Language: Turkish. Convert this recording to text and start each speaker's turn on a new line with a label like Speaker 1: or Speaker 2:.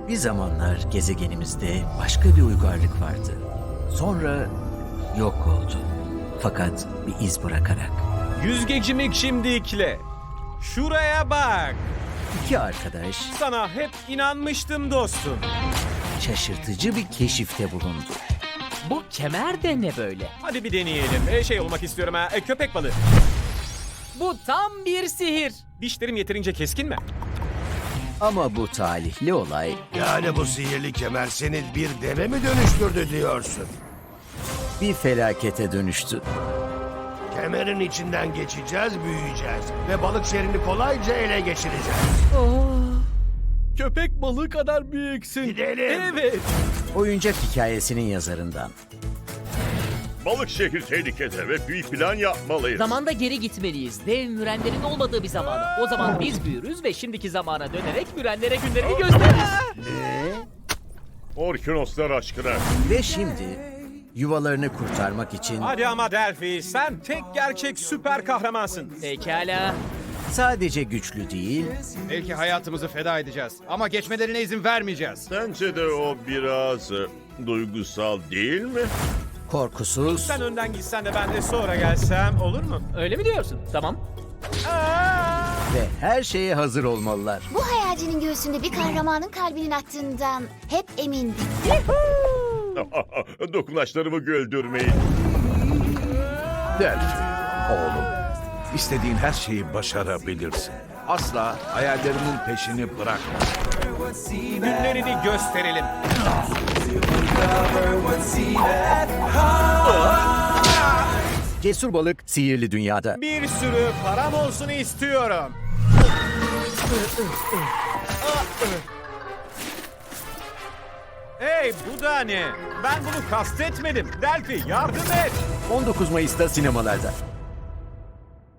Speaker 1: Bir zamanlar gezegenimizde başka bir uygarlık vardı. Sonra yok oldu. Fakat bir iz bırakarak.
Speaker 2: Yüzgecimi şimdikle. Şuraya bak.
Speaker 1: İki arkadaş
Speaker 2: Sana hep inanmıştım dostum.
Speaker 1: şaşırtıcı bir keşifte bulundu.
Speaker 3: Bu kemer de ne böyle?
Speaker 2: Hadi bir deneyelim. Şey olmak istiyorum ha. Köpek balığı.
Speaker 3: Bu tam bir sihir.
Speaker 2: Dişlerim yeterince keskin mi?
Speaker 1: Ama bu talihli olay
Speaker 4: Yani bu sihirli kemer seni bir deve mi dönüştürdü diyorsun?
Speaker 1: bir felakete dönüştü.
Speaker 4: Kemerin içinden geçeceğiz, büyüyeceğiz ve balık şehrini kolayca ele geçireceğiz.
Speaker 2: Köpek balığı kadar büyüksün.
Speaker 4: Gidelim.
Speaker 2: Evet.
Speaker 1: Oyuncak hikayesinin yazarından.
Speaker 5: Balık şehri tehlikede ve büyük plan yapmalıyız.
Speaker 3: Zamanda geri gitmeliyiz. Dev mürenlerin olmadığı bir zamana. O zaman biz büyürüz ve şimdiki zamana dönerek mürenlere günlerini gösteririz.
Speaker 5: Orkinoslar aşkına.
Speaker 1: Ve şimdi yuvalarını kurtarmak için
Speaker 2: Hadi ama Delphi, sen tek gerçek süper kahramansın.
Speaker 3: Pekala.
Speaker 1: sadece güçlü değil,
Speaker 6: Belki hayatımızı feda edeceğiz ama geçmelerine izin vermeyeceğiz.
Speaker 5: Sence de o biraz duygusal değil mi?
Speaker 1: korkusuz
Speaker 2: Sen önden gitsen de ben de sonra gelsem olur mu?
Speaker 3: Öyle mi diyorsun? Tamam.
Speaker 1: ve her şeye hazır olmalılar.
Speaker 7: Bu hayalcinin göğsünde bir kahramanın kalbinin attığından hep emindim.
Speaker 5: Dokunaçlarımı güldürmeyin.
Speaker 8: Delphi, oğlum. İstediğin her şeyi başarabilirsin. Asla hayallerinin peşini bırakma.
Speaker 2: Günlerini gösterelim.
Speaker 1: Cesur balık sihirli dünyada.
Speaker 2: Bir sürü param olsun istiyorum. Hey, bu da ne? Ben bunu kastetmedim. Delphi, yardım et.
Speaker 1: 19 Mayıs'ta sinemalarda.